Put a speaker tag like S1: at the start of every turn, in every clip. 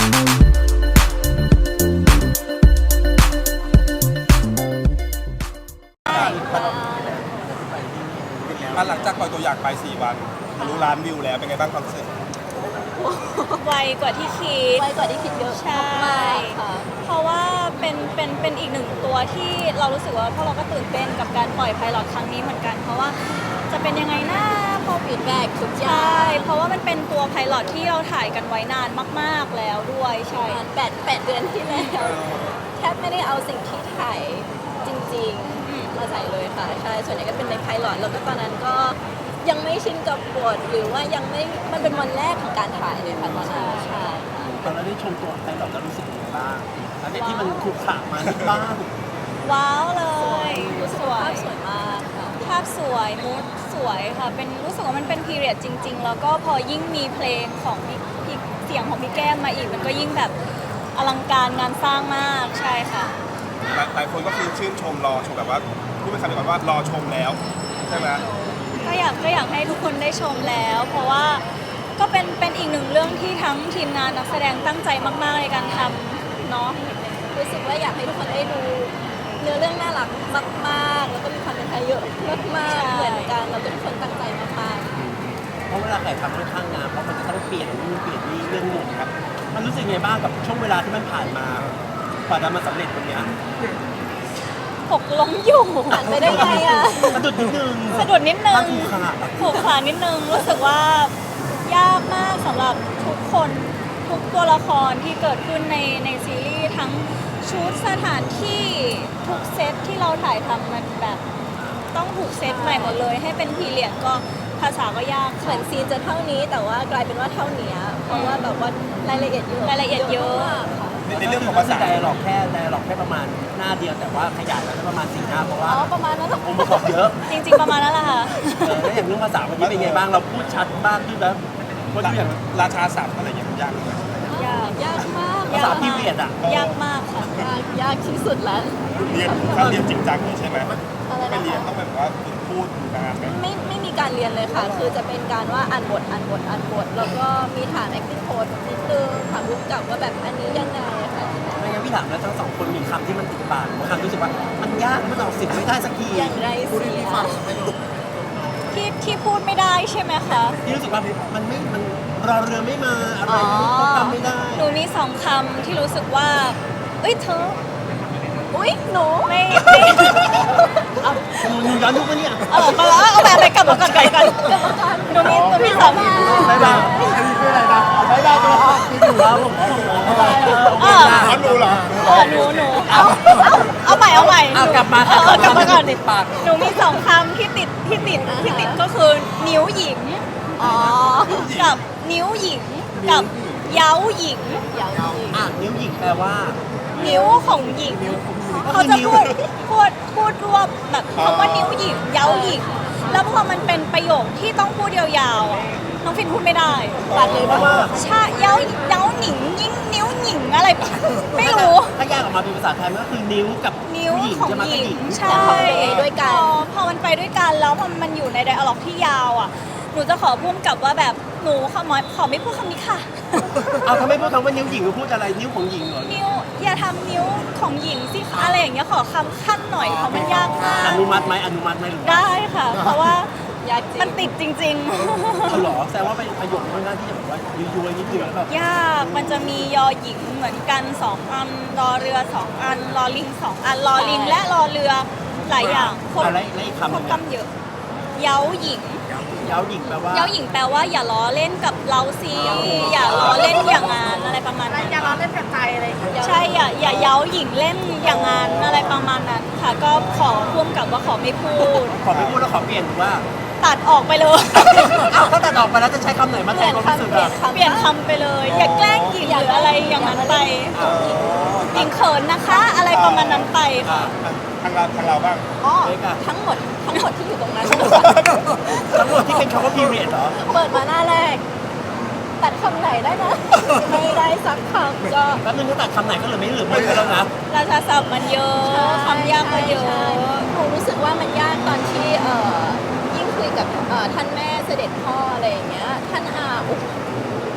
S1: หลังจากปล่อยตัวอย่างไป4 วันทะลุล้านวิวแล้วเป็นไงบ้างความรู้สึก
S2: ไวกว่าที่คิด
S3: ไวกว่าที่คิดเยอะ
S2: ใช่
S3: มากค่ะ
S2: เพราะว่าเป็นอีกหนึ่งตัวที่เรารู้สึกว่าพวกเราก็ตื่นเต้นกับการปล่อยไพลอตครั้งนี้เหมือนกัน เพราะว่าจะเป็นยังไงนะพอ
S3: ฟีดแบ็กทุกอย่า
S2: ใช่
S3: ง
S2: เพราะว่ามันเป็นตัวไพลอตที่เราถ่ายกันไว้นานมากๆแล้วด้วยใช่
S3: 8 เดือนที่แล้วแทบไม่ได้เอาสิ่งที่ถ่ายจริงๆมาใส่เลยค่ะใช่ส่วนใหญ่ก็เป็นในไพลอตแล้วก็ตอนนั้นก็ยังไม่ชินกับบทหรือว่ายังไม่มันเป็นวันแรกของการถ่ายเลยค่ะตอนนั้นใช่
S4: ตอนเราได้ชมตัวไพลอตแล้วรู้สึกยังไงบ้างอันนี้ที่มันขรุขระมาที่บ้าน
S2: ว้าวเลย
S3: รู้สึก
S2: สว
S3: ว่าย ภาพสวยมากค่ะ
S2: ภาพสวยมูดสวยค่ะเป็นรู้สึกว่ามันเป็นพีเรียดจริงๆแล้วก็พอยิ่งมีเพลงของพี่เสียงของพี่แก้มมาอีกมันก็ยิ่งแบบอลังการงานสร้างมากใช่ค่ะ
S1: หลายคนก็คือชื่นชมรอชมแบบว่าพูดเป็นคำเดียวกันว่ารอชมแล้วใช่ไหม
S2: ก็อยากให้ทุกคนได้ชมแล้ว เพราะว่าก็เป็นอีกหนึ่งเรื่องที่ทั้งทีมงานนักแสดงตั้งใจมากๆในการทำเนาะ
S3: รู้สึกว่าอยากให้ทุกคนได้ดูเนื้อเรื่องน่ารักมากๆแล้วก็มีความเป็นไทยเยอะมากๆเหมือนกันแล้วก็ทุกคนตั้งใจมากๆ
S4: เพราะเวลาถ่ายทำค่อนข้างนานเพราะมันจะต้องเปลี่ยนนู่นเปลี่ยนนี่เรื่องหนึ่งครับมันรู้สึกไงบ้างกับช่วงเวลาที่มันผ่านมากว่าจะมาสำเร็จตรงเนี้ย
S2: หกล้มอยู่
S3: ผ่านไปได้ไงอ่ะ
S4: สะดุดนิดนึง
S2: สะดุดนิดนึ
S4: ตั้
S2: ง
S4: งถูกขนาด
S2: ผูกขานิดนึงรู้สึกว่ายากมากสำหรับทุกคนทุกตัวละครที่เกิดขึ้นในซีรีส์ทั้งชุดสถานที่ทุกเซตที่เราถ่ายทำมันแบบต้องถูกเซตใหม่หมดเลย ให้เป็นพีเรียดก็ภาษาก็ยาก
S3: เหมือนซีนจะเท่านี้แต่ว่ากลายเป็นว่าเท่านี้เพราะว่าแบบว่ารายละเอียดเยอะ
S2: รายละเอียดเยอะ
S3: มากค่ะ
S1: ในเรื่องของภาษา
S4: ไดอะล็อกแค่ประมาณหน้าเดียวแต่ว่าขยายแล้วได้ประมาณ4 หน้าเพราะว่า
S3: อ๋อประมาณนั้น
S4: องค์ประกอบเยอะ
S2: จริงๆประมาณนั้นแหละค่ะ
S4: แล้วอย่างเรื่องภาษาวันนี้เป็นไงบ้างเราพูดชัดมากขึ้นแล้วว่าดูอย่าง
S1: ราชาศัพท์อะไรอย่างเงี้ยมันยากเลย
S2: ยาก
S3: ยากมาก
S4: ภาษาพีเรียดอ่ะ
S2: ยากมากค่ะ
S3: ยากที่สุดแล้ว
S1: เรียนถ้าเรียนจริงจังเลยใช่ไหม
S3: อะไร
S1: ไม่
S3: นะ
S1: เรียน
S3: คะ
S1: ต้องแบบว่าฝึกพูดนานไหม
S3: ไม่มีการเรียนเลยค่ะ คือจะเป็นการว่าอ่านบทแล้วก็มีฐาน acting coach นิดนึงถามรู้กับว่าแบบอันนี้ยังไงค่ะ
S4: ไม่งั้นพี่ถามแล้วทั้งสองคนมีคำที่มันติดปากบางคำรู้สึกว่ามันยากมันออกเสียงไม่ได้สักที
S3: อย่างไรเสีย
S2: ที่พูดไม่ได้ใช่ไหมคะ
S4: พี่รู้สึกว่ามันรอเรือไม่มาอะไรก็ทำไม่ได้
S2: หนูมีสองคำที่รู้สึกว่าเอ้ยเธอ
S3: อุ๊ยหนู
S2: ไม่
S4: เอาหนูย้อนยุคปะเนี่ย
S2: เอาแบบไปกลับมาก่อนหนูมีสอง
S4: บ๊ายบายบ๊ายบายตัวที่อยู่แล้วผม
S1: เขารู้เหรอ
S2: หนูเอาใหม่
S4: กลับมาค่ะ
S2: กลับมาก่อน
S4: ติดปาก
S2: หนูมีสองคำที่ติดก็คือนิ้วหญิง
S3: อ๋อ
S2: กับนิ้วหญิงกับเย้าหญิง
S3: อย่างจริง
S4: นิ้วหยิกแปลว่า
S2: นิ้วของหญิงเขาจะพูดรวบแบบคำว่านิ้วหญิงเย้าหญิงแล้วพอมันเป็นประโยคที่ต้องพูดยาวๆอะน้องฟินพูดไม่ได้
S3: ตัดเลยเพราะว่า
S2: ใช่เย้าหนิงยิ่งนิ้วหญิงอะไรไม่รู้
S4: ถ้าแยกออกมาเป็นภาษาไทยมันก็คือนิ้วกับ
S2: นิ้ว
S4: ผู้หญิง
S2: ของ
S4: จะมา
S2: ห
S4: กับ
S2: ญิ
S4: หญิ
S2: ง
S4: ง
S2: ใช่
S3: แต่พอไปด้วยกัน
S2: พอมันไปด้วยกันแล้วพอมันอยู่ในไดอะล็อกที่ยาวอ่ะหนูจะขอพุ่มกับว่าแบบหนูขอไม่พูดคำนี้ค่ะ
S4: เอาทำไมพูดคำว่านิ้วหญิงหรือพูดอะไรนิ้วของหญิงเหรอ
S2: นิ้วอย่าทำนิ้วของหญิงสิคะอะไรอย่างเงี้ยขอคำขั้นหน่อยเพราะมันยากมาก
S4: อนุมัติไหมหรือว่า
S2: ได้ค่ะ เพราะว่าย
S3: ากจริง
S2: มันติดจริง
S4: เอาเหรอแสดงว่าเป็นประโยคค่อนข้างที่จะแบบว่ายั่วๆนิดนึงแล้วแบบ
S2: ๆ ยากมันจะมียอหญิงเหมือนกัน2 อันรอเรือ2 อันรอลิง2 อันรอลิงและรอเรือหลายอย่างครบ
S4: อะไรอีกคำห
S2: คร
S4: นึ่
S2: บ
S4: ง
S2: กำเยอะเย้าหญิง
S4: เย้าหญิงแปลว่า
S2: เย้าหญิงแปลว่าอย่าล้อเล่นกับเราสิอย่าล้อเล่นอย่างงานอะไรประมาณนั้น
S3: อย่าล้อเล่นกับใจอะไรอย่างเงี้ย
S2: ใช่อย่าเย้าหญิงเล่นอย่างงานอะไรประมาณนั้นค่ะ ก็ขอพ่วงกับว่าขอไม่พูด
S4: ขอไม่พูดแล้วขอเปลี่ยนหรือว่า
S2: ตัดออกไปเลย
S4: อ้าวถ้าตัดออกไปแล้วจะใช้คำไหนมาแทนความรู้สึกอะ
S2: เปลี่ยนคำไปเลย อย่าแกล้งหญิงหรืออะไรอย่างนั้นไปหญิงเขินนะคะ อะไรประมาณนั้นไปค่ะ
S1: ทางเราบ้าง
S3: อ๋อทั้งหมดที่อยู่ตรงนั้น
S4: ทั้งหมดที่เป็นคำว่า period เหรอ
S3: เปิดมาหน้าแรก ตัดคำไหนได้นะ ไม่ได้สักคำก็
S4: แป๊บนึงถ้าตัดคำไหนก็เหลือไม่เหลือไม่แล้วนะ
S2: ราชาศัพท์มันเยอะคำยากก็เยอะ
S3: ใช่หนูรู้สึกว่ามันยากตอนที่ยิ่งคุยกับท่านแม่เสด็จพ่ออะไรอย่างเงี้ยท่านอา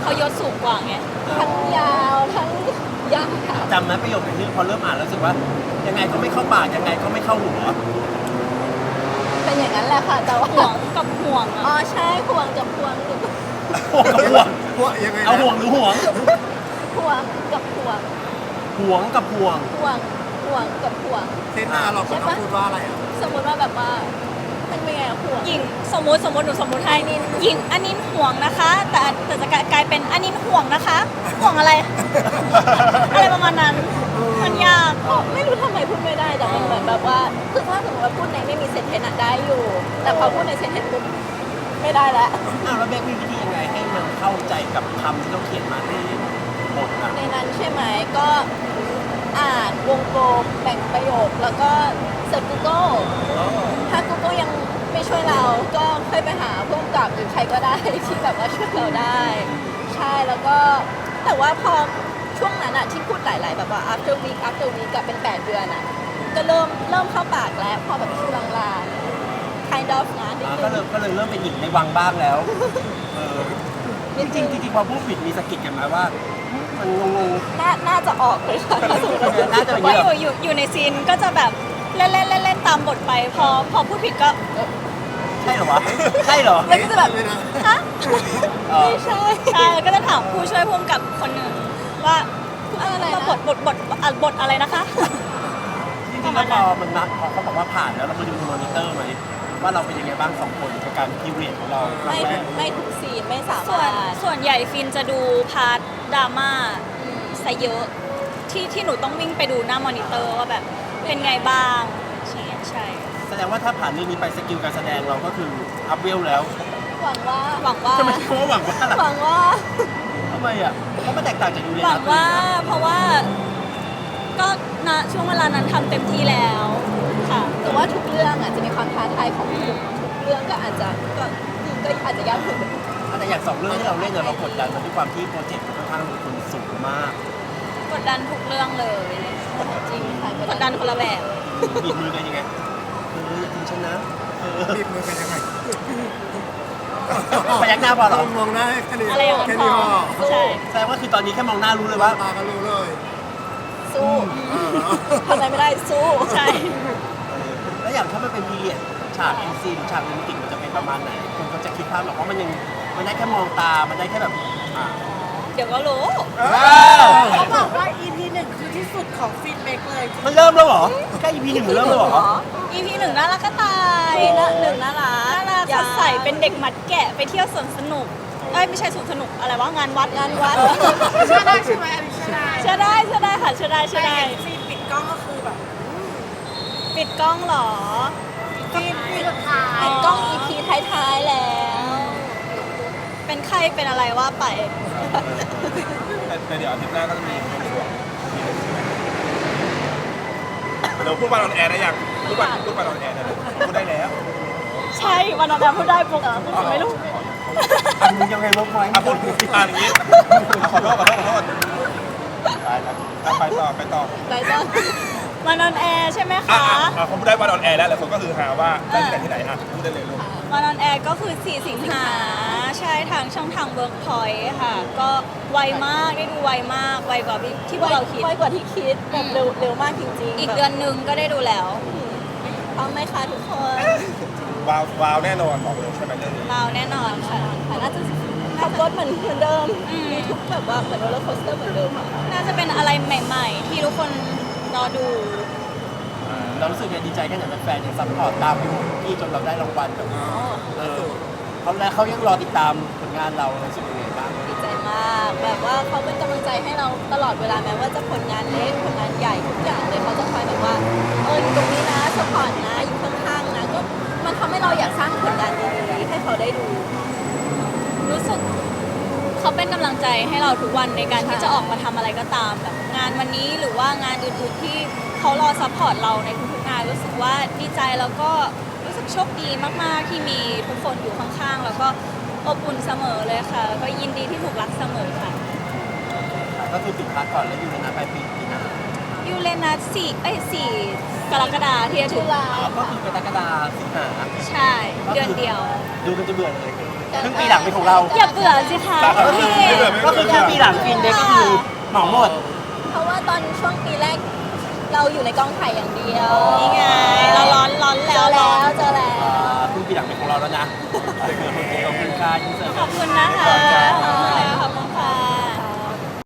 S2: เขายศสูงกว่าไง
S3: ทั้งยาวทั้งยาว
S4: จำไหมประโยคนี้พอเริ่มอ่านแล้วรู้สึกว่ายังไงก็ไม่เข้าปากยังไงก็ไม่เข้าหัว
S3: เป็นอย่างนั้นแหละค่ะแต่ว่า
S2: ห่วงกับห่วง
S3: อ๋อ
S2: อะ
S3: ใช่ห่วงกับห่วงหรือ
S4: ห่วงกับห่วง
S1: พวกยังไงนะ
S4: เอาห่วงหรือห่วง
S3: ห่วงกับห่วง
S4: ห่วงกับห่วง
S3: ห่วงห่วงกับห่วง
S1: เทนหน้าเราก็ต้องพูดว่าอะไรอ่ะ
S3: สมมติว่าแบบว่ามันเป็นไงอะห่วง
S2: หญิงสมมติหนูสมมติให้หญิงอันนี้ห่วงนะคะ แต่จะกลายเป็นอันนี้ห่วงนะคะ ห่วงอะไร อะไรประมาณนั้น มันยาก
S3: ไม่รู้ทำไมพูดไม่ได้แต่มันเหมือนแบบว่าคือถ้าสมมติว่าพูดในไม่มีเซนเทนอะได้อยู่ แต่พอพูดในเซนเทนปุ๊บไม่ได้แล้ว
S4: อ้าวแล้วเบคมีวิธียังไงให้มันเข้าใจกับคำที่เราเขียนมาในบทอ่ะ
S3: ในนั้นใช่ไหมก็อ่านวงกลมแบ่งประโยคแล้วก็เสิร์ช Google ถ้า Google ยังไม่ช่วยเราก็ค่อยไปหาผู้กำกับหรือใครก็ได้ ที่แบบว่าช่วยเราได้ ใช่แล้วก็แต่ว่าพอช่วงนั้นอะที่พูดหลาย ๆ แบบว่า after week after week กับเป็น 8 เดือนอะก็เริ่มเข้าปากแล้วพอแบบชื่อลางๆ kind of นะนิด
S4: ก็
S3: นึ
S4: เลย
S3: ง
S4: เริ่มเป็นหญิงในวังบ้างแล้วเออจริงๆพอพูดผิดมีสะกิดกันไหมว่ามันงง
S3: น่าจะออกเลยค่ะถ้าสมมติว่า
S4: น่าจะเป็น
S2: ว่า
S4: เยอะ
S2: อยู่ในซีนก็จะแบบเล่นตามบทไป พอพูดผิดก็
S4: ใช่เหรอวะใช่เหรอ
S3: แล้วก็จะแบบ
S2: ฮะ
S4: เออ
S3: ไม่ใช่
S2: ใช่ก็จะถามผู้ช่วยผู้กำกับคนหนึ่งว่า
S3: อะไรนะ
S2: บทอะไรนะคะ
S4: จริงๆแล้วพอมันนับพอเขาบอกว่าผ่านแล้วเรามาดูในมอนิเตอร์ไหมว่าเราเป็นยังไงบ้างสองคนกับการพีเรียดของเราครั้งแรก
S3: ไม่ทุกซีนไม่สา
S2: ส่วน
S3: มารถ
S2: ส่วนใหญ่ฟินจะดูพาร์ทดราม่าซะเยอะที่หนูต้องวิ่งไปดูหน้ามอนิเตอร์ว่าแบบเป็นไงบ้างใช่
S4: แสดงว่าถ้าผ่านเรื่องนี้ไปสกิลการแสดงเราก็คืออัพเวลแล้ว
S3: หวังว่า
S2: หวังว่า
S4: ทำไมเขาหวังว่าล่ะ
S3: หวังว่า
S4: ทำไมอ่ะเพราะมันแตกต่างจากยูเร
S2: หวั
S4: นั
S2: ง
S4: ส
S2: ว่าเพราะว่าก็ณช่วงเวลานั้นทำเต็มที่แล้วค่ะ
S3: แต่ว่าทุกเรื่องอ่ะจะมีความท้าทายของทุกเรื่องก็อาจจะอาจจะยากขึ้น
S4: แต่อย่างสองเรื่องที่เราเล่นเนี่ยเรากดดันมันด้วยความที่โปรเจกต์มันค่อนข้างลงทุนสูงมาก
S2: กดดันทุกเรื่องเลย
S3: จริงค่ะ
S2: กดดันคนละแบบ
S4: บีบมือกันยังไงทีมชนะ
S1: บีบมือกันยังไง
S4: พยักหน้าพอเหรอ
S1: มองหน้าแค่นี้
S2: อะไรอย่าง
S1: แค่
S2: พ
S1: นี้
S2: อ
S1: พอ
S2: ใช่
S4: แสดงว่าคือตอนนี้แค่มองหน้ารู้เลยว่า
S1: ตาก็รู้เลย
S3: สู้ทำอะไรไม่ได้สู้
S2: ใช่
S4: แล้วอย่างถ้ามันเป็นพีเรียดฉากเอ็นซีหรือฉากโรแมนติกมันจะเป็นประมาณไหนคนก็จะคิดภาพหรอกว่ามันยังมันได้แค่มองตา มันได้แค่แบบอ่า
S2: เดี๋ยวก็รู้
S5: เขาบอกว่า EP 1คือที่สุดของฟีดแบ็กเลย
S4: มันเริ่มแล้วเหรอแค่ EP หนึ่งมันเริ่มแล้วเหรอ
S2: EP หนึ่งน่ารักก็ตาย
S3: ปีละหนึ่งน่ารัก
S2: น่ารักสดใสเป็นเด็กมัดแกะไปเที่ยวสวนสนุกเอ้ยไม่ใช่สวนสนุกอะไรวะงานวัด
S3: งานวัด
S5: เชื่อได้ใช่ไหมอันนี้เชื่อได้
S2: เชื่อได้ค่ะเชื่อได้
S5: แต่เห็นซีนปิดกล้องก็คือแบบ
S2: ปิดกล้องเหรอ
S5: ซีนสุดท้าย
S3: ปิดกล้อง EP ท้ายๆแล้ว
S2: เป็นใครเป็นอะไรว่าไป
S1: แต่เดี๋ยวอาทิตย์หน้าก็จะมีเป็นช่วงเดี๋ยวพูดวันออนแอร์ได้ยังพูดวันออนแอร์ได้เลยพูดได้แล้ว
S2: ใช่วันนั้นพูดได้ปุ๊บไม่รู้
S4: อันนี้ยังไงลบไว้
S1: อ่ะพูดอย่างนี้ขอโทษไปแล้วไปต่อ
S3: ไรต้น
S2: วันนอนแอร์ใช่ไหม
S1: อ่ะ
S2: คะ
S1: เขาพูดได้วันออนแอร์แล้วหลายคนก็คือหาว่าได้ที่ไหนอ่ะพูดได้เลยลูก
S2: วันนอนแอร์ก็คือ 4 สิงหาใช่ทางช่องทาง Workpoint ค่ะ ก็ไวมากได้ดูไวมากไวกว่าที่พวกเราคิด
S3: ไวกว่าที่คิดแบบเร็วมากจริงๆ
S2: อีกเดือนนึงก็ได้ดูแล้ว
S3: เอาไหมคะทุกคน
S1: ว้าวแน่นอนบอกเลยใช่ไหมเรื่องนี้
S2: เราแน่นอนค่ะ
S3: ค่ะน่าจะขับรถเหมือนเดิม
S2: อืม
S3: มีทุกแบบว่าเหมือนโรลเลอร์โคสเตอร์เหมือนเดิมอะค่ะ
S2: น่าจะเป็นอะไรใหม่ๆ ที่ทุกคนรอดู
S4: เรารู้สึกดีใจแค่ไหนแฟนๆยังซัพพอร์ตตามไปหมดที่จนเราได้รางวัลแบบเขายังรอติดตามผลงานเรารู้สึกยังไงบ้าง
S3: ดีใจมากแบบว่าเขาเป็นกำลังใจให้เราตลอดเวลาแม้ว่าจะผลงานเล็กผลงานใหญ่ทุกอย่างเลยเขาจะคอยแบบว่าอยู่ตรงนี้นะสปอร์ตนะอยู่ข้างๆนะก็มันทำให้เราอยากสร้างผลงานดีๆให้เขาได้ดู
S2: รู้สึกเขาเป็นกำลังใจให้เราทุกวันในการที่
S3: ใช่
S2: จะออกมาทำอะไรก็ตามแบบงานวันนี้หรือว่างานอื่นๆที่เขารอซัพพอร์ตเราในทุกๆงานรู้สึกว่าดีใจแล้วก็รู้สึกโชคดีมากๆที่มีทุกคนอยู่ข้างๆ แล้วก็อบอุ่นเสมอเลยค่ะแล้วก็ยินดีที่ถูกรักเสมอค่ะ
S4: ก็คือปิดพาร์ทก่อนแล้วอยู่ในนั้นไปปีหน้า
S2: ยูเรนัส4 กรกฎาคมที่จะถึง
S3: ตุลา
S4: ก็คือกรกฎาสิงหา
S2: ใช่เดือนเดียว
S4: ดูกันจะเบื่อเลยครึ่งปีหลังเป็นของเรา
S2: อย่าเบื่อสิคะ
S4: ก็คือ
S2: พี่
S4: ก็คือครึ่งปีหลังฟินเด็กก็คือเหมาหมด
S3: เพราะว่าตอนช่วงปีแรกเราอยู่ในกองถ่ายอย่างเดียว
S2: นี่ไงเราร้อน
S3: เจอ
S2: แล้วร้
S3: แล้
S2: อน
S3: วเจอแล้ว
S4: ครึ่งปีหลังเป็นของเราแล้วนะโอเคขอบคุณค่ะยินเสิร์ต
S2: ขอบคุณนะคะ